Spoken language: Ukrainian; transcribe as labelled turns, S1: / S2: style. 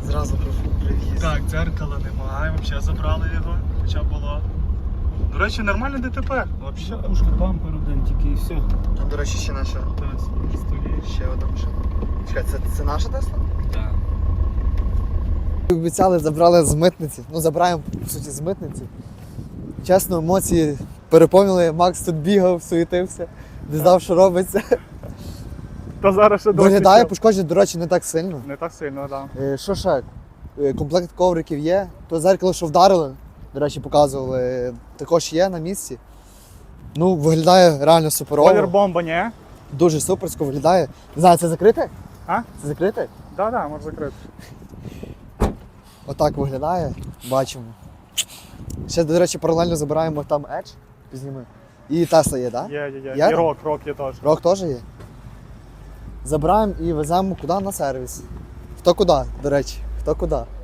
S1: Зразу привіз.
S2: Так, дзеркала немає, взагалі забрали його, хоча було. До речі, нормальне ДТП. Взагалі.
S3: Пушка, бампер один тільки і все.
S1: Там, до речі, ще наша.
S2: Так, стоїть.
S1: Ще одна машина. Чекай, це наша Тесла?
S3: Так.
S1: Обіцяли, забрали з митниці. Ну, забираємо, по суті, з митниці. Чесно, емоції переповнили. Макс тут бігав, суетився, не знав, що робиться.
S2: Та зараз ще
S1: Виглядає, пошкоджень, до речі, не так сильно.
S2: Не так сильно, так.
S1: Що ще? Комплект ковриків є. То зеркало, що вдарили, до речі, показували, також є на місці. Ну, виглядає реально суперово.
S2: Колір бомба, ні?
S1: Дуже суперсько виглядає. Не знаю, це закрите?
S2: А?
S1: Це закрите?
S2: Так, може закрити.
S1: Отак виглядає, бачимо. Ще, до речі, паралельно забираємо там Edge, пізніми. І Tesla є, так?
S2: Є.
S1: Є
S2: І
S1: там?
S2: рок є теж.
S1: Рок теж є. Забираємо і веземо куди на сервіс. Хто куди, до речі, хто куди.